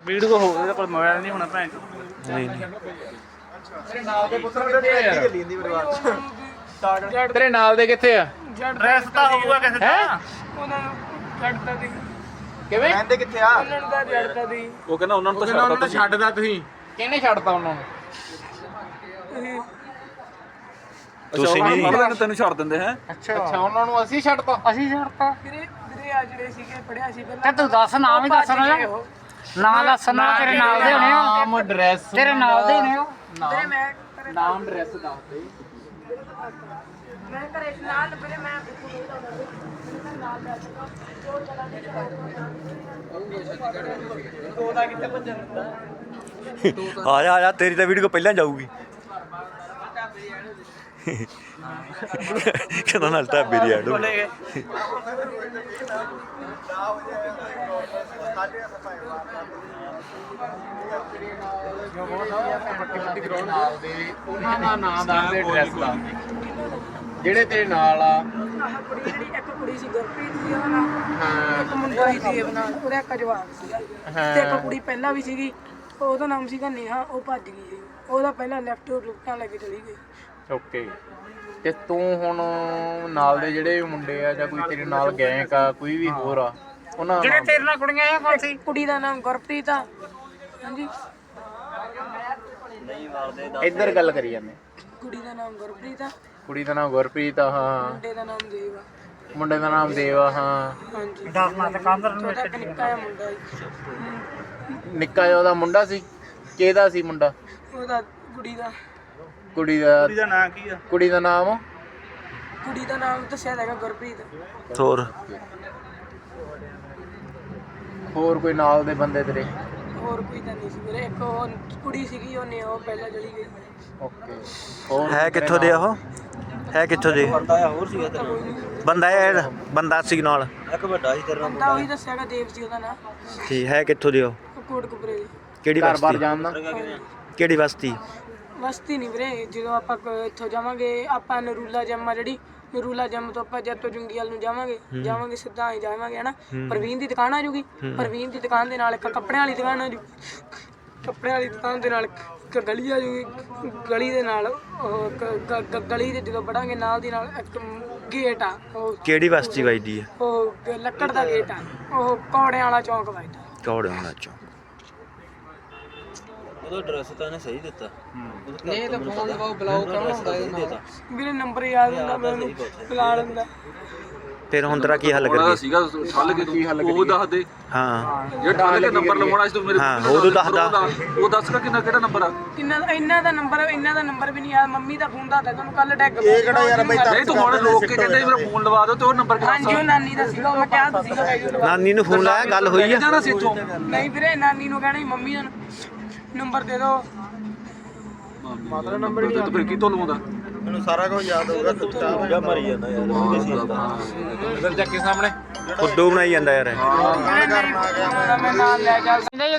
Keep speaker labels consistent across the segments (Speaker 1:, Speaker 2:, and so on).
Speaker 1: Video ਹੋ ਇਹਦੇ ਕੋਲ ਮੋਬਾਈਲ ਨਹੀਂ ਹੋਣਾ ਭੈਣ
Speaker 2: ਨਹੀਂ ਨਹੀਂ
Speaker 3: ਤੇਰੇ ਨਾਲ ਦੇ ਕਿੱਥੇ ਆ?
Speaker 1: ਡਰੈਸ ਤਾਂ ਹੋਊਗਾ ਕਿਸੇ ਦਾ
Speaker 4: ਉਹਨਾਂ ਨੂੰ ਛੱਡਤਾ ਦੀ
Speaker 3: ਕਿਵੇਂ
Speaker 5: ਕਹਿੰਦੇ ਕਿੱਥੇ ਆ?
Speaker 4: ਉਹਨਾਂ ਨੂੰ ਤਾਂ ਛੱਡਤਾ ਦੀ
Speaker 1: ਉਹ ਕਹਿੰਦਾ ਉਹਨਾਂ ਨੂੰ
Speaker 3: ਉਹਨਾਂ ਨੂੰ ਛੱਡਦਾ ਤੁਸੀਂ? ਕਿਹਨੇ ਛੱਡਤਾ ਉਹਨਾਂ ਨੂੰ?
Speaker 2: ਤੁਸੀਂ ਨਹੀਂ
Speaker 1: ਤੈਨੂੰ ਛੱਡ ਦਿੰਦੇ ਹੈ
Speaker 3: ਅੱਛਾ ਉਹਨਾਂ ਨੂੰ ਅਸੀਂ ਛੱਡਤਾ?
Speaker 4: ਅਸੀਂ ਛੱਡਤਾ ਵੀਰੇ ਆ ਜਿਹੜੇ ਸੀਗੇ ਪੜਿਆ ਸੀ ਪਹਿਲਾਂ
Speaker 6: ਤੂੰ ਦੱਸ ਨਾਮ ਹੀ ਦੱਸਣਾ ਨਾ ਨਾਮ ਦੱਸਣਾ ਤੇਰੇ ਨਾਲ ਦੇ ਹੋਣੇ
Speaker 3: ਨਾਮ ਐਡਰੈਸ
Speaker 6: ਤੇਰੇ ਨਾਲ ਦੇ ਹੋਣੇ
Speaker 4: ਵੀਰੇ ਮੈਂ
Speaker 3: ਨਾਮ ਐਡਰੈਸ ਦੱਸ ਦੇ।
Speaker 4: ਮੈਂ ਘਰੇ ਨਾਲ ਵੀਰੇ ਮੈਂ
Speaker 2: ਆ ਜਾ ਤੇਰੀ ਤਾਂ ਵੀਡੀਓ ਪਹਿਲਾਂ ਜਾਊਗੀ ਕਹਿੰਦਾ ਨਾਲ ਢਾਬੇ ਦੀ ਐਡ
Speaker 3: ਉਹਨਾਂ ਦਾ ਨਾਮ ਦੱਸ ਦੇ ਐਡਰੈਸ ਦੱਸ ਦੇ ਜਿਹੜੇ ਤੇਰੇ ਨਾਲ ਆ।
Speaker 4: ਆਹ ਕੁੜੀ ਜਿਹੜੀ ਇੱਕ ਕੁੜੀ ਸੀ ਗੁਰਪ੍ਰੀਤ ਸੀ ਉਹਦਾ ਨਾਮ ਇੱਕ ਮੁੰਡਾ ਸੀ ਦੇਵ ਨਾਲ ਉਹਦਾ ਇੱਕ ਜਵਾਕ ਸੀਗਾ ਤੇ ਇੱਕ ਕੁੜੀ ਪਹਿਲਾਂ ਵੀ ਸੀਗੀ ਉਹਦਾ ਨਾਮ ਸੀਗਾ ਨੇਹਾ ਉਹ ਭੱਜ ਗਈ ਸੀ ਉਹਦਾ ਪਹਿਲਾਂ ਲੈਫਟ ਲੁੱਟਾਂ ਲੈ ਕੇ ਚਲੀ ਗਈ।
Speaker 3: ਓਕੇ ਤੇ ਤੂੰ ਹੁਣ ਨਾਲ ਦੇ ਜਿਹੜੇ ਮੁੰਡੇ ਆ ਜਾਂ ਕੋਈ ਤੇਰੇ ਨਾਲ ਗੈਂਗ ਆ ਕੋਈ ਵੀ ਹੋਰ ਆ ਉਹਨਾਂ
Speaker 6: ਜਿਹੜੇ ਤੇਰੇ ਨਾਲ ਕੁੜੀਆਂ ਆ ਕੌਣ ਸੀ?
Speaker 4: ਕੁੜੀ ਦਾ ਨਾਮ ਗੁਰਪ੍ਰੀਤ ਆ। ਹਾਂਜੀ
Speaker 3: ਇੱਧਰ ਗੱਲ ਕਰੀ ਜਾਂਦੇ।
Speaker 4: ਕੁੜੀ ਦਾ ਨਾਮ ਗੁਰਪ੍ਰੀਤ ਆ
Speaker 3: ਕੁੜੀ ਦਾ ਨਾਮ ਗੁਰਪ੍ਰੀਤ ਆ ਹਾਂ
Speaker 4: ਮੁੰਡੇ ਦਾ ਨਾਮ ਦੇਵ ਆ।
Speaker 3: ਮੁੰਡੇ ਦਾ ਨਾਮ ਦੇਵ ਆ ਹਾਂ
Speaker 4: ਹਾਂਜੀ
Speaker 6: ਦੱਸਣਾ ਤੇ ਕਾਂਦਰ ਨੂੰ
Speaker 4: ਉਹਦਾ ਇੱਕ ਨਿੱਕਾ ਜਿਹਾ ਮੁੰਡਾ ਸੀ
Speaker 3: ਨਿੱਕਾ ਜਿਹਾ ਉਹਦਾ ਮੁੰਡਾ ਸੀ ਕਿਹਦਾ ਸੀ ਮੁੰਡਾ
Speaker 4: ਉਹਦਾ ਕੁੜੀ ਦਾ
Speaker 3: ਕੁੜੀ ਦਾ
Speaker 1: ਨਾਂ ਕੀ ਆ
Speaker 3: ਕੁੜੀ ਦਾ ਨਾਮ
Speaker 4: ਕੁੜੀ ਦਾ ਨਾਮ ਦੱਸਿਆ ਹੈਗਾ ਗੁਰਪ੍ਰੀਤ।
Speaker 2: ਹੋਰ
Speaker 3: ਹੋਰ ਕੋਈ ਨਾਲ ਦੇ ਬੰਦੇ ਤੇਰੇ?
Speaker 4: ਹੋਰ ਕੋਈ ਤਾਂ ਨਹੀਂ ਸੀ ਵੀਰੇ ਇੱਕ ਉਹ ਕੁੜੀ ਸੀਗੀ ਉਹਨੇ ਉਹ ਪਹਿਲਾਂ ਚਲੀ ਗਈ।
Speaker 3: ਓਕੇ ਹੋਰ
Speaker 2: ਹੈ ਕਿੱਥੋਂ ਦੇ ਉਹ ਹੈ ਕਿੱਥੋਂ ਦੇ ਬੰਦਾ ਇਹ ਬੰਦਾ ਸੀ ਨਾਲ
Speaker 4: ਬੰਦਾ ਉਹੀ ਦੱਸਿਆਗਾ ਦੇਵ ਸੀ ਉਹਦਾ ਨਾਮ
Speaker 2: ਠੀਕ ਹੈ ਕਿੱਥੋਂ ਦੇ ਉਹ
Speaker 4: ਕੋਟਕਪੁਰੇ ਦੀ
Speaker 2: ਕਿਹੜੀ
Speaker 3: ਘਰ ਬਾਰ
Speaker 2: ਬਸਤੀ
Speaker 3: ਜਾਣਦਾ?
Speaker 2: ਕਿਹੜੀ ਬਸਤੀ
Speaker 4: ਬਸਤੀ ਨਹੀਂ ਵੀਰੇ ਜਦੋਂ ਆਪਾਂ ਇੱਥੋਂ ਜਾਵਾਂਗੇ ਆਪਾਂ ਨਰੂਲਾ ਜੰਮ ਆ ਜਿਹੜੀ ਨਰੂਲਾ ਜੰਮ ਤੋਂ ਆਪਾਂ ਜੱਤੋ ਜੁੰਗੀਵਾਲ ਨੂੰ ਜਾਵਾਂਗੇ ਸਿੱਧਾ ਹੀ ਜਾਵਾਂਗੇ ਹਨਾ ਪ੍ਰਵੀਨ ਦੀ ਦੁਕਾਨ ਆ ਜੂਗੀ ਪ੍ਰਵੀਨ ਦੀ ਦੁਕਾਨ ਦੇ ਨਾਲ ਇੱਕ ਕੱਪੜਿਆਂ ਵਾਲੀ ਦੁਕਾਨ ਆ ਜੂ ਕੱਪੜਿਆਂ ਵਾਲੀ ਦੁਕਾਨ ਦੇ ਨਾਲ ਇੱਕ ਗਲੀ ਆ ਜੂਗੀ ਗਲੀ ਦੇ ਨਾਲ ਉਹ ਗਲੀ ਦੇ ਜਦੋਂ ਵੜਾਂਗੇ ਨਾਲ ਦੀ ਨਾਲ ਇੱਕ ਗੇਟ ਆ ਉਹ
Speaker 2: ਕਿਹੜੀ ਬਸਤੀ ਵੱਜਦੀ ਹੈ
Speaker 4: ਉਹ ਲੱਕੜ ਦਾ ਗੇਟ ਆ ਉਹ ਕੌੜਿਆਂ ਵਾਲਾ ਚੌਂਕ ਵੱਜਦਾ।
Speaker 2: ਕੌੜੇ ਹੋਣਾ ਚੋਂ
Speaker 5: ਉਹਦਾ ਐਡਰੈਸ ਤਾਂ ਇਹਨੇ ਸਹੀ ਦਿੱਤਾ
Speaker 3: ਨਹੀਂ ਤਾਂ ਫੋਨ ਲਗਾਓ ਬਲੌਕ ਕੌਣ ਹੁੰਦਾ ਇਹਦੇ ਨਾਲ?
Speaker 4: ਵੀਰੇ ਨੰਬਰ ਯਾਦ ਹੁੰਦਾ ਮੈਨੂੰ ਬੁਲਾ ਲੈਂਦਾ।
Speaker 2: ਫਿਰ ਹੁਣ ਤੇਰਾ ਕੀ ਹੱਲ ਕਰੀਏ
Speaker 1: ਸੀਗਾ ਠੱਲ ਕੇ ਉਹ ਦੱਸ ਦੇ
Speaker 2: ਹਾਂ
Speaker 1: ਜੇ ਠੱਲ ਕੇ ਨੰਬਰ ਲਵਾਉਣਾ ਸੀ ਤੂੰ ਮੇਰੇ
Speaker 2: ਹਾਂ, ਉਦੋਂ ਦੱਸਦਾ।
Speaker 1: ਉਹ ਦੱਸਗਾ ਕਿਹੜਾ ਨੰਬਰ ਆ
Speaker 4: ਕਿੰਨਾ ਇਹਨਾਂ ਦਾ ਨੰਬਰ ਵੀ ਨਹੀਂ ਯਾਦ ਮੰਮੀ ਦਾ ਫੋਨ ਦਾ ਤੁਹਾਨੂੰ ਕੱਲ ਡੈਗ
Speaker 5: ਇਹ ਕਿਹੜਾ ਯਾਰ ਬਈ
Speaker 1: ਨਹੀਂ ਤੂੰ ਹੁਣ ਲੋਕ ਕੇ ਕਹਿੰਦੇ ਮੇਰਾ ਫੋਨ ਲਵਾ ਦਿਓ ਤੇ ਉਹ ਨੰਬਰ ਕਿਹੜਾ
Speaker 4: ਹਾਂਜੀ ਉਹ ਨਾਨੀ ਦਾ ਸੀਗਾ ਮੈਂ ਕਿਹਾ ਸੀਗਾ
Speaker 2: ਨਾਨੀ ਨੂੰ ਫੋਨ ਲਾਇਆ ਗੱਲ ਹੋਈ ਆ
Speaker 1: ਜਾਣਾ ਸੀ ਇੱਥੋਂ
Speaker 4: ਨਹੀਂ ਵੀਰੇ ਨਾਨੀ ਨੂੰ ਕਹਿਣਾ ਸੀ ਮੰਮੀ ਦਾ ਨੰਬਰ ਦੇ ਦਿਓ
Speaker 1: ਮਾਤਰਾ ਨੰਬਰ ਨਹੀਂ ਫਿਰ ਕੀ ਤੋਂ ਲਵਾਉਂਦਾ
Speaker 5: ਮੈਨੂੰ ਸਾਰਾ ਕੁਝ ਯਾਦ ਹੋਊਗਾ ਕੁੱਤਾ ਹੋਊਗਾ ਮਰੀ ਜਾਂਦਾ ਯਾਰ
Speaker 3: ਇਧਰ ਚੱਕੇ ਸਾਹਮਣੇ
Speaker 2: ਫੁੱਡੂ ਬਣਾਈ ਜਾਂਦਾ ਯਾਰ ਇਹ।
Speaker 4: ਮੈਂ ਨਾਲ ਲੈ ਜਾ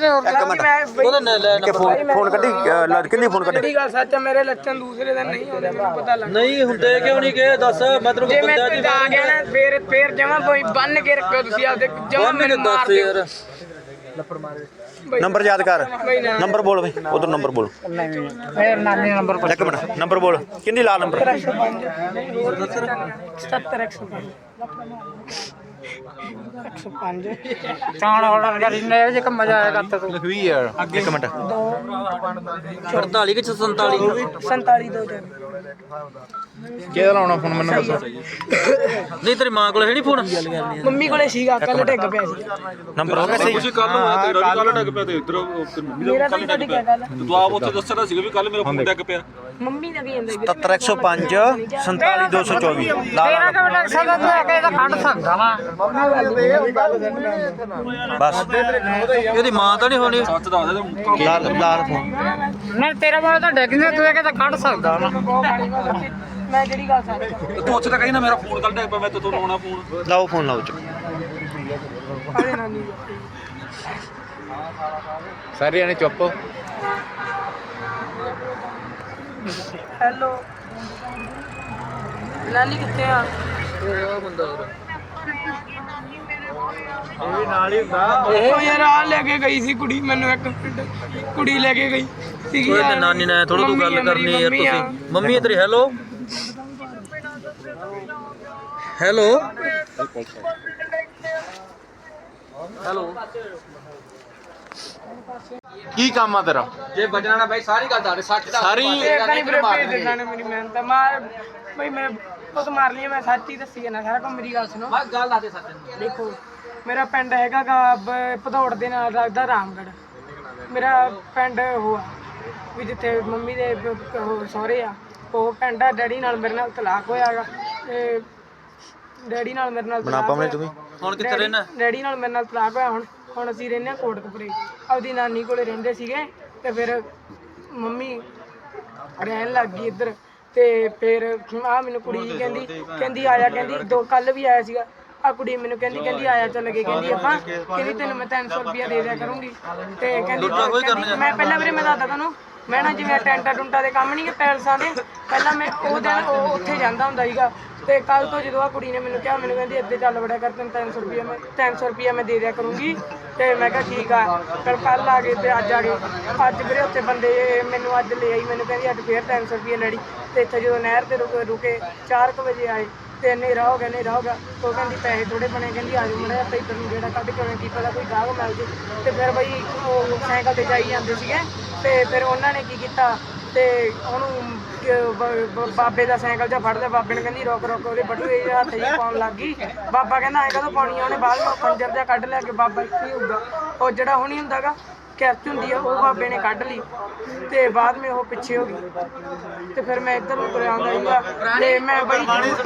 Speaker 2: ਫੋਨ ਕੱਢੀ ਕਿੰਨੀ ਫੋਨ ਕੱਢੀ
Speaker 4: ਜਿਹੜੀ ਗੱਲ ਸੱਚ ਆ ਮੇਰੇ ਲੱਛਣ ਦੂਸਰੇ ਦਿਨ ਨਹੀਂ ਆਉਂਦੇ ਮੈਨੂੰ ਪਤਾ ਲੱਗ
Speaker 5: ਨਹੀਂ ਹੁੰਦੇ ਕਿਉਂ ਨਹੀਂ ਗਏ ਦੱਸ ਮੈਂ ਤੈਨੂੰ
Speaker 4: ਜੇ ਮੈਂ ਤੇ ਆ ਗਿਆ ਨਾ ਫੇਰ ਜਮਾ ਕੋਈ ਬੰਨ ਕੇ ਰੱਖਿਓ ਤੁਸੀਂ ਆਪਦੇ ਜਮਾ ਮੈਨੂੰ ਮਾਰ ਦਿਓ
Speaker 2: ਨੰਬਰ ਯਾਦ ਕਰ ਨੰਬਰ ਬੋਲ ਬਈ ਉਧਰ ਨੰਬਰ ਬੋਲ
Speaker 6: ਫੇਰ ਨਾਨੀ ਨੰਬਰ
Speaker 2: ਇੱਕ ਮਿੰਟ ਨੰਬਰ ਬੋਲ ਕਿੰਨੀ ਲਾ ਨੰਬਰ
Speaker 4: 105
Speaker 6: ਚਾਣ ਆਰਡਰ ਕਰੀ ਨੇ ਜੇ ਕੰਮ ਮਜ਼ਾ ਆਏਗਾ ਤੂੰ
Speaker 3: ਲਖਵੀ ਯਾਰ
Speaker 2: ਇੱਕ ਮਿੰਟ
Speaker 5: 48 ਕਿ 47
Speaker 4: 47 ਦੋ ਜਣ
Speaker 3: ਕਿਹਦਾ ਲਾਉਣਾ ਫੋਨ ਮੈਨੂੰ ਦੱਸੋ?
Speaker 5: ਨਹੀਂ ਤੇਰੀ ਮਾਂ ਕੋਲ ਹੈ ਨਹੀਂ ਫੋਨ
Speaker 4: ਮੰਮੀ ਕੋਲੇ ਸੀਗਾ ਕੱਲ ਡਿੱਗ ਪਿਆ ਸੀ
Speaker 2: ਨੰਬਰ ਹੋ ਗਿਆ ਸਹੀ
Speaker 1: ਤੁਸੀਂ ਕੱਲ ਨੂੰ ਆਇਆ ਤੇਰਾ ਵੀ ਕੱਲ ਡੱਗ ਪਿਆ ਤੇ ਇਧਰ ਮੰਮੀ ਦਾ
Speaker 4: ਮੇਰਾ ਤਾਂ ਤੁਹਾਡੀ ਕਿਆ ਗੱਲ
Speaker 1: ਤੂੰ ਆਪ ਉੱਥੇ ਦੱਸਣਾ ਸੀਗਾ ਵੀ ਕੱਲ ਮੇਰਾ ਫੋਨ ਡੱਗ ਪਿਆ
Speaker 4: ਮੰਮੀ ਦਾ ਕੀ ਜਾਂਦਾ
Speaker 2: 70105 47224 ਲਾ
Speaker 6: ਤੇਰਾ ਕਿਵੇਂ ਲੱਗ ਸਕਦਾ ਤੂੰ ਆ ਕੇ ਇਹਦਾ ਕੱਢ ਸਕਦਾ ਵਾ
Speaker 2: ਬਸ
Speaker 5: ਇਹਦੀ ਮਾਂ ਤਾਂ ਨਹੀਂ ਹੋਣੀ
Speaker 1: ਸੱਚ ਦੱਸ ਦੇ
Speaker 2: ਲਾ ਫੋਨ
Speaker 6: ਨਹੀਂ ਤੇਰਾ ਮੋਬਾਈਲ ਤਾਂ ਡਿੱਗ ਨਹੀਂ ਤੂੰ ਇਹ ਕਹਿੰਦਾ ਕੱਢ ਸਕਦਾ ਵਾ
Speaker 4: ਮੈਂ ਜਿਹੜੀ ਗੱਲ ਸੱਚ
Speaker 1: ਤੂੰ ਉੱਥੇ ਤਾਂ ਕਹੀ ਨਾ ਮੇਰਾ ਫੋਨ ਕੱਲ ਡੱਗ ਪਿਆ ਮੈਂ ਤੇ ਤੂੰ ਲਾਉਣਾ ਫੋਨ
Speaker 2: ਲਾਓ ਫੋਨ ਲਾਓ ਚ
Speaker 4: ਅਰੇ ਨਾਨੀ
Speaker 3: ਸਾਰੇ ਜਾਣੇ ਚੁੱਪ।
Speaker 4: ਹੈਲੋ ਨਾਨੀ ਕਿੱਥੇ ਆ
Speaker 5: ਉਹ ਬੰਦਾ ਇਹ ਵੀ ਨਾਲ ਹੀ ਹੁੰਦਾ।
Speaker 4: ਉਹ ਯਾਰ ਆ ਲੈ ਕੇ ਗਈ ਸੀ ਕੁੜੀ ਮੈਨੂੰ ਇੱਕ ਕੁੜੀ ਲੈ ਕੇ ਗਈ ਸੀਗੀ
Speaker 5: ਕੋਈ
Speaker 4: ਯਾਰ।
Speaker 5: ਨਾਨੀ ਨਾਲ ਥੋੜਾ ਤੂੰ ਗੱਲ ਕਰਨੀ ਯਾਰ
Speaker 4: ਮੰਮੀ ਆ।
Speaker 5: ਤੁਸੀਂ। ਮੰਮੀ ਤੇਰੀ ਹੈਲੋ ਹੈਲੋ ਹੈਲੋ।
Speaker 3: ਕੀ ਕੰਮ ਆ ਤੇਰਾ?
Speaker 1: ਜੇ ਬਚਣਾ ਨਾ ਬਾਈ ਸਾਰੀ ਗੱਲ ਦੱਸ 60 ਦਾ
Speaker 3: ਸਾਰੀ
Speaker 4: ਏਦਾਂ ਨਹੀਂ ਵੀਰੇ ਭੇਜ ਦੇਣਾ ਨੇ ਮੇਰੀ ਮਿਹਨਤ ਮਾਰ ਬਈ ਮੈਂ ਬਹੁਤ ਮਾਰ ਲਈ ਮੈਂ ਸੱਚ ਹੀ ਦੱਸੀ ਨਾ ਸਾਰਾ ਕੰਮ। ਮੇਰੀ ਗੱਲ ਸੁਣੋ
Speaker 1: ਬਸ ਗੱਲ ਦੱਸ ਦੇ ਸੱਚ
Speaker 4: ਦੇਖੋ ਮੇਰਾ ਪਿੰਡ ਹੈਗਾ ਗਾ ਭਦੌੜ ਦੇ ਨਾਲ ਲੱਗਦਾ ਰਾਮਗੜ੍ਹ। ਮੇਰਾ ਪਿੰਡ ਉਹ ਆ ਵੀ ਜਿੱਥੇ ਮੰਮੀ ਦੇ ਉਹ ਸਹੁਰੇ ਆ ਉਹ ਪਿੰਡ ਆ। ਡੈਡੀ ਨਾਲ ਮੇਰੇ ਨਾਲ ਤਲਾਕ ਹੋਇਆ ਗਾ ਤੇ ਡੈਡੀ ਨਾਲ ਮੇਰੇ ਨਾਲ
Speaker 2: ਬਣਾ ਪਾਵੇਂ ਤੂੰ ਵੀ।
Speaker 5: ਹੁਣ ਕਿੱਥੇ ਰਹਿਣਾ?
Speaker 4: ਡੈਡੀ ਨਾਲ ਮੇਰੇ ਨਾਲ ਤਲਾਕ ਹੋਇਆ। ਹੁਣ ਅਸੀਂ ਰਹਿੰਦੇ ਹਾਂ ਕੋਟਕਪੁਰੇ। ਆਪਦੀ ਨਾਨੀ ਕੋਲੇ ਰਹਿੰਦੇ ਸੀਗੇ ਤੇ ਫਿਰ ਮੰਮੀ ਰਹਿਣ ਲੱਗ ਗਈ ਇੱਧਰ। ਤੇ ਫਿਰ ਆ ਮੈਨੂੰ ਕੁੜੀ ਕਹਿੰਦੀ ਆਇਆ, ਕਹਿੰਦੀ ਦੋ ਕੱਲ ਵੀ ਆਇਆ ਸੀਗਾ। ਆ ਕੁੜੀ ਮੈਨੂੰ ਕਹਿੰਦੀ ਆਇਆ ਚੱਲ ਗਏ, ਕਹਿੰਦੀ ਆਪਾਂ ਕਹਿੰਦੀ ਤੈਨੂੰ ਮੈਂ 300 ਰੁਪਇਆ ਦੇ ਦਿਆ ਕਰੂੰਗੀ। ਤੇ ਕਹਿੰਦੀ ਮੈਂ ਪਹਿਲਾਂ ਵੀਰੇ ਮੈਂ ਦੱਸਦਾ ਤੁਹਾਨੂੰ, ਮੈਂ ਨਾ ਜਿਵੇਂ ਟੈਂਟਾ ਟੁੰਟਾ ਦੇ ਕੰਮ ਨਹੀਂ ਪੈਲਸਾਂ ਦੇ, ਪਹਿਲਾਂ ਮੈਂ ਉਹ ਦਿਨ ਉਹ ਉੱਥੇ ਜਾਂਦਾ ਹੁੰਦਾ ਸੀਗਾ। ਤੇ ਕੱਲ ਤੋਂ ਜਦੋਂ ਆ ਕੁੜੀ ਨੇ ਮੈਨੂੰ ਕਿਹਾ, ਮੈਨੂੰ ਕਹਿੰਦੀ ਇੱਥੇ ਚੱਲ ਵੜਿਆ ਕਰ, ਤੈਨੂੰ 300 ਰੁਪਇਆ ਮੈਂ ਦੇ ਦਿਆ ਕਰੂੰਗੀ। ਤੇ ਮੈਂ ਕਿਹਾ ਠੀਕ ਆ। ਫਿਰ ਕੱਲ ਆ ਗਏ ਤੇ ਅੱਜ ਆ ਗਏ। ਅੱਜ ਵੀਰੇ ਉੱਥੇ ਬੰਦੇ ਮੈਨੂੰ ਅੱਜ ਲੈ ਆਈ, ਮੈਨੂੰ ਕਹਿੰਦੀ ਅੱਜ ਫੇਰ 300 ਰੁਪਇਆ ਲੈਣੀ। ਤੇ ਇੱਥੇ ਜਦੋਂ ਨਹਿਰ ਤੇ ਰੁਕੇ 4 ਵਜੇ ਆਏ ਤੇ ਹਨੇਰਾ ਹੋ ਗਿਆ। ਉਹ ਕਹਿੰਦੀ ਪੈਸੇ ਥੋੜੇ ਬਣੇ, ਕਹਿੰਦੀ ਆ ਜਾਓ ਮੜਾ ਆਪਾਂ ਇੱਧਰ ਨੂੰ ਜਿਹੜਾ ਕੱਢ ਕੇ ਆਉਣਾ, ਕੀ ਪਤਾ ਕੋਈ ਗਾਹਕ ਮਿਲ ਜੇ। ਤੇ ਫਿਰ ਬਈ ਉਹ ਸਾਈਕਲ ਤੇ ਜਾਈ ਜਾਂਦੇ ਸੀਗੇ। ਤੇ ਫਿਰ ਉਹਨਾਂ ਨੇ ਕੀ ਕੀਤਾ ਤੇ ਉਹਨੂੰ ਬਾਬੇ ਦਾ ਸਾਈਕਲ ਜਿਹਾ ਫੜ ਲਿਆ। ਬਾਬੇ ਨੇ ਕਹਿੰਦੀ ਰੁਕ ਉਹਦੇ ਬਟੂਏ ਜਿਹੇ ਹੱਥ ਜਿਹੇ ਪਾਉਣ ਲੱਗ ਗਈ। ਬਾਬਾ ਕਹਿੰਦਾ ਐਂ ਕਦੋਂ ਪਾਉਣੀ ਆ? ਉਹਨੇ ਬਾਅਦ ਵਿੱਚ ਖੰਜਰ ਜਿਹਾ ਕੱਢ ਲਿਆ ਕਿ ਬਾਬਾ ਇੱਥੇ ਹੀ ਹੋਊਗਾ। ਉਹ ਜਿਹੜਾ ਹੁਣੀ ਹੁੰਦਾ ਗਾ ਕੈਚ ਹੁੰਦੀ ਆ, ਉਹ ਬਾਬੇ ਨੇ ਕੱਢ ਲਈ ਤੇ ਬਾਅਦ ਵਿੱਚ ਉਹ ਪਿੱਛੇ ਹੋ ਗਈ। ਤੇ ਫਿਰ ਮੈਂ ਇੱਧਰ ਨੂੰ ਤੁਰਿਆ ਆਉਂਦਾ ਸੀਗਾ ਤੇ ਮੈਂ ਬਈ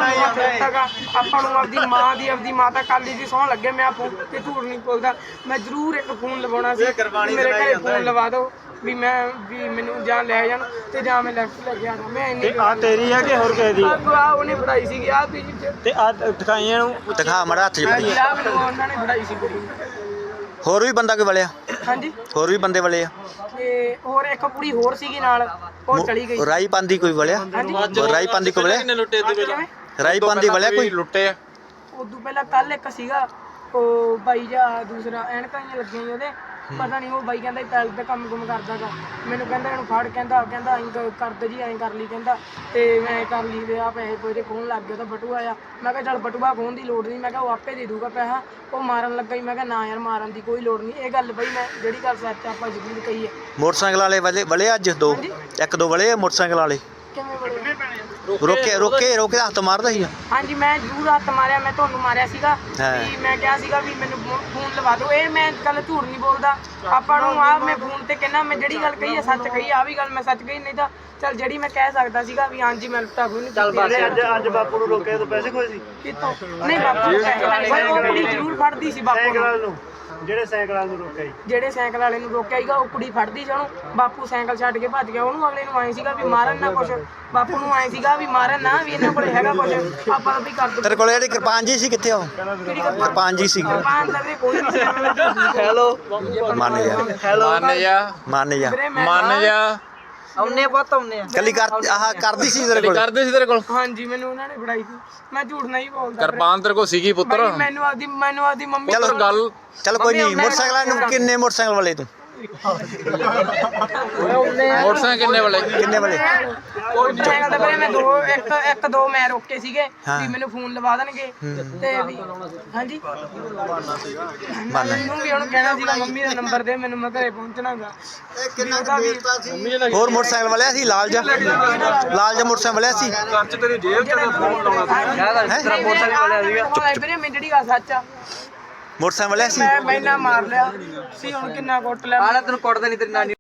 Speaker 4: ਗਾ ਆਪਾਂ ਨੂੰ ਆਪਦੀ ਮਾਤਾ ਕਾਲੀ ਦੀ ਸਹੁੰ ਲੱਗੇ। ਮੈਂ ਫੋਨ ਤੇ ਝੂਠ ਨਹੀਂ ਬੋਲਦਾ, ਮੈਂ ਜ਼ਰੂਰ ਇੱਕ ਫੋਨ ਲਵਾਉਣਾ ਸੀ। ਮੇਰੇ ਘਰੇ ਫੋਨ ਲਵਾ ਦਿਓ ਵੀ ਮੈਨੂੰ ਜਾਂ ਲੈ ਜਾਣ ਤੇ ਜਾਂ ਮੈਂ ਲੈਫਟ ਲੈ ਕੇ ਆਣਾ। ਮੈਂ ਇੰਨੀ
Speaker 5: ਆ ਤੇਰੀ ਹੈ ਕਿ ਹੋਰ ਕਿਸੇ ਦੀ?
Speaker 4: ਆ ਉਹਨੇ ਫੜਾਈ ਸੀਗੀ ਆ
Speaker 5: ਤੇ ਆ ਦਿਖਾਈਆਂ ਨੂੰ
Speaker 2: ਦਿਖਾ ਮੜਾ ਹੱਥ 'ਚ ਫੜੀ।
Speaker 4: ਆ ਮੈਨੂੰ ਉਹਨਾਂ ਨੇ ਫੜਾਈ ਸੀ ਕੁੜੀ।
Speaker 2: ਹੋਰ ਵੀ ਬੰਦਾ ਕੋਈ ਵਲਿਆ?
Speaker 4: ਹਾਂਜੀ
Speaker 2: ਹੋਰ ਵੀ ਬੰਦੇ ਵਲੇ ਆ?
Speaker 4: ਤੇ ਹੋਰ ਇੱਕ ਕੁੜੀ ਹੋਰ ਸੀਗੀ ਨਾਲ, ਉਹ ਚਲੀ ਗਈ।
Speaker 2: ਰਾਈ ਪਾਂਦੀ ਕੋਈ ਵਲਿਆ? ਰਾਈ ਪਾਂਦੀ ਕੋਈ ਵਲਿਆ?
Speaker 5: ਕਿੰਨੇ ਲੁੱਟੇ ਤੇ ਵੇਲੇ?
Speaker 2: ਰਾਈ ਪਾਂਦੀ ਵਲਿਆ ਕੋਈ?
Speaker 3: ਲੁੱਟੇ ਆ?
Speaker 4: ਉਦੋਂ ਪਹਿਲਾਂ ਕੱਲ ਇੱਕ ਸੀਗਾ ਉਹ ਬਾਈ ਜਾਂ ਦੂਸਰਾ ਐਨਕਾਂ ਜਿਹੀਆਂ ਲੱਗੀਆਂ ਸੀ ਉਹਦੇ, ਪਤਾ ਨਹੀਂ ਉਹ ਬਾਈ ਕਹਿੰਦਾ ਪੈਲਸ ਦਾ ਕੰਮ ਕਰਦਾ ਗਾ। ਮੈਨੂੰ ਕਹਿੰਦਾ ਇਹਨੂੰ ਫੜ, ਕਹਿੰਦਾ ਐਂ ਕਰਦੇ ਜੀ, ਐਂ ਕਰ ਲਈ ਕਹਿੰਦਾ। ਤੇ ਮੈਂ ਕਰ ਲਈ ਤੇ ਆ ਪੈਸੇ ਪੂਰੇ ਖੋਹਣ ਲੱਗ ਗਿਆ ਤਾਂ ਬਟੂਆ ਆ। ਮੈਂ ਕਿਹਾ ਚੱਲ ਬਟੂਆ ਖੋਹਣ ਦੀ ਲੋੜ ਨਹੀਂ, ਮੈਂ ਕਿਹਾ ਉਹ ਆਪੇ ਦੇ ਦੂਗਾ ਪੈਸਾ। ਉਹ ਮਾਰਨ ਲੱਗਾ ਹੀ, ਮੈਂ ਕਿਹਾ ਨਾ ਯਾਰ ਮਾਰਨ ਦੀ ਕੋਈ ਲੋੜ ਨਹੀਂ। ਇਹ ਗੱਲ ਬਈ ਮੈਂ ਜਿਹੜੀ ਗੱਲ ਸੱਚ ਆਪਾਂ ਜ਼ਰੂਰ ਕਹੀ ਹੈ।
Speaker 2: ਮੋਟਰਸਾਈਕਲ ਵਾਲੇ ਵਲੇ ਅੱਜ ਦੋ ਇੱਕ ਦੋ ਵਲੇ ਆ ਮੋਟਰਸਾਈਕਲ ਵਾਲੇ?
Speaker 4: ਕਿਵੇਂ ਬੜੇ
Speaker 2: ਰੋਕੇ ਹੱਥ ਮਾਰਦਾ ਸੀ?
Speaker 4: ਹਾਂਜੀ ਮੈਂ ਜ਼ਰੂਰ ਹੱਥ ਮਾਰਿਆ। ਮੈਂ ਤੁਹਾਨੂੰ ਮਾਰਿਆ ਸੀਗਾ ਵੀ ਮੈਂ ਕਿਹਾ ਸੀਗਾ ਵੀ ਮੈਨੂੰ ਫੋਨ ਲਵਾ ਦਿਓ। ਇਹ ਮੈਂ ਗੱਲ ਝੂਠ ਨਹੀਂ ਬੋਲਦਾ ਆਪਾਂ ਨੂੰ। ਆ ਮੈਂ ਫੋਨ ਤੇ ਕਹਿੰਦਾ ਮੈਂ ਜਿਹੜੀ ਗੱਲ ਕਹੀ ਹੈ ਸੱਚ ਕਹੀ। ਆ ਵੀ ਗੱਲ ਮੈਂ ਸੱਚ ਕਹੀ, ਨਹੀਂ ਤਾਂ ਚੱਲ ਜਿਹੜੀ ਮੈਂ ਕਹਿ ਸਕਦਾ ਸੀਗਾ ਵੀ ਹਾਂਜੀ ਮੈਂ ਲੁੱਟਾ ਕੋਈ ਨਹੀਂ। ਚੱਲ
Speaker 5: ਅੱਜ ਬਾਪੂ ਨੂੰ ਰੋਕਿਆ ਤਾਂ ਪੈਸੇ ਕੋਈ ਸੀ?
Speaker 4: ਕਿਤੋਂ ਨਹੀਂ ਬਾਪੂ ਉਹ ਕੁੜੀ ਜ਼ਰੂਰ ਫੜਦੀ ਸੀ ਬਾਪੂ ਨੂੰ।
Speaker 5: ਜਿਹੜੇ ਸਾਈਕਲ ਵਾਲੇ ਨੂੰ ਰੋਕਿਆ ਸੀ?
Speaker 4: ਜਿਹੜੇ ਸਾਈਕਲ ਵਾਲੇ ਨੂੰ ਰੋਕਿਆ ਸੀਗਾ ਉਹ ਕੁੜੀ ਫੜਦੀ ਸੀ ਉਹਨੂੰ। ਬਾਪੂ ਸਾਈਕਲ ਛੱਡ ਕੇ ਭੱਜ ਗਿਆ। ਉਹਨੂੰ ਅਗਲੇ ਨੂੰ ਆਏ ਸੀਗਾ ਵੀ ਮਾਰਨ ਨਾ ਕੁਛ, ਬਾਪੂ ਨੂੰ ਆਏ ਸੀਗਾ ਵੀ ਮਾਰਨ ਨਾ, ਵੀ ਇਹਨਾਂ ਕੋਲੇ ਹੈਗਾ ਕੁਛ ਆਪਾਂ ਵੀ ਕਰ ਦੋ।
Speaker 2: ਤੇਰੇ ਕੋਲ ਜਿਹੜੀ ਕਿਰਪਾਨ ਜੀ ਸੀ ਕਿੱਥੇ? ਉਹ ਕਿਰਪਾਨ ਜੀ ਸੀ?
Speaker 4: ਕਿਰਪਾਨ ਦਾ ਵੀ ਕੋਈ ਨਹੀਂ ਸੀ।
Speaker 5: ਹੈਲੋ
Speaker 2: ਮੰਨ ਜਾ
Speaker 3: ਮੰਨ ਜਾ
Speaker 5: ਆਉਨੇ ਬਹੁਤ ਆਉਨੇ ਆ।
Speaker 2: ਕੱਲੀ ਕਰ ਆਹ ਕਰਦੀ ਸੀ ਤੇਰੇ ਕੋਲ?
Speaker 3: ਕਰਦੇ ਸੀ ਤੇਰੇ ਕੋਲ?
Speaker 4: ਹਾਂਜੀ ਮੈਨੂੰ ਉਹਨਾਂ ਨੇ ਫੜਾਈ ਸੀ। ਮੈਂ ਝੂਠ ਨਹੀਂ ਬੋਲਦਾ।
Speaker 3: ਕਿਰਪਾਨ ਤੇਰੇ ਕੋਲ ਸੀਗੀ ਪੁੱਤਰ?
Speaker 4: ਬਾਈ ਮੈਨੂੰ ਆਪਦੀ ਮੰਮੀ
Speaker 2: ਚਲੋ
Speaker 3: ਗੱਲ
Speaker 2: ਚਲ ਕੋਈ ਨਹੀਂ। ਮੋਟਰਸਾਈਕਲ ਨੂੰ ਕਿੰਨੇ ਮੋਟਰਸਾਈਕਲ ਵਾਲੇ ਤੂੰ?
Speaker 3: ਮੋਟਰਸਾਈਕਲ ਕਿੰਨੇ ਵਾਲੇ?
Speaker 2: ਕਿੰਨੇ ਵਾਲੇ?
Speaker 4: ਸਾਈਕਲ ਤੇ ਮੈਂ ਇੱਕ ਦੋ ਮੈਂ ਰੋਕੇ ਸੀਗੇ ਵੀ ਮੈਨੂੰ ਫੋਨ ਲਵਾ ਦੇਣਗੇ ਤੇ ਵੀ ਹਾਂਜੀ ਮੈਨੂੰ ਵੀ ਉਹਨੂੰ ਕਹਿਣਾ ਸੀਗਾ ਮੰਮੀ ਦਾ ਨੰਬਰ ਦੇ ਮੈਨੂੰ, ਮੈਂ ਘਰੇ ਪਹੁੰਚਣਾਗਾ।
Speaker 2: ਹੋਰ ਮੋਟਰਸਾਈਕਲ ਵਾਲਿਆ ਸੀ? ਲਾਲ ਜਾ ਮੋਟਰਸਾਈਕਲ ਵਾਲਿਆ ਸੀ?
Speaker 1: ਕੱਚ ਤੇਰੀ ਜੇਬ 'ਚ ਫੋਨ ਲਾਉਣਾ ਸੀ।
Speaker 2: ਤੇਰਾ
Speaker 4: ਮੋਟਰਸਾਈਕਲ ਵਾਲਿਆ ਸੀਗਾ ਵੀਰੇ। ਮੈਂ ਜਿਹੜੀ ਗੱਲ ਸੱਚ ਆ
Speaker 2: ਮੋਟਰਸਾਈਕਲ ਵਾਲਿਆ ਸੀ?
Speaker 4: ਮੈਂ ਮੈਨਾਂ ਮਾਰ ਲਿਆ ਸੀ। ਹੁਣ ਕਿੰਨਾ ਕੁੱਟ ਲਿਆ।
Speaker 5: ਤੈਨੂੰ ਕੁੱਟਦੇ ਨਹੀਂ ਤੇਰੀ ਨਾਨੀ।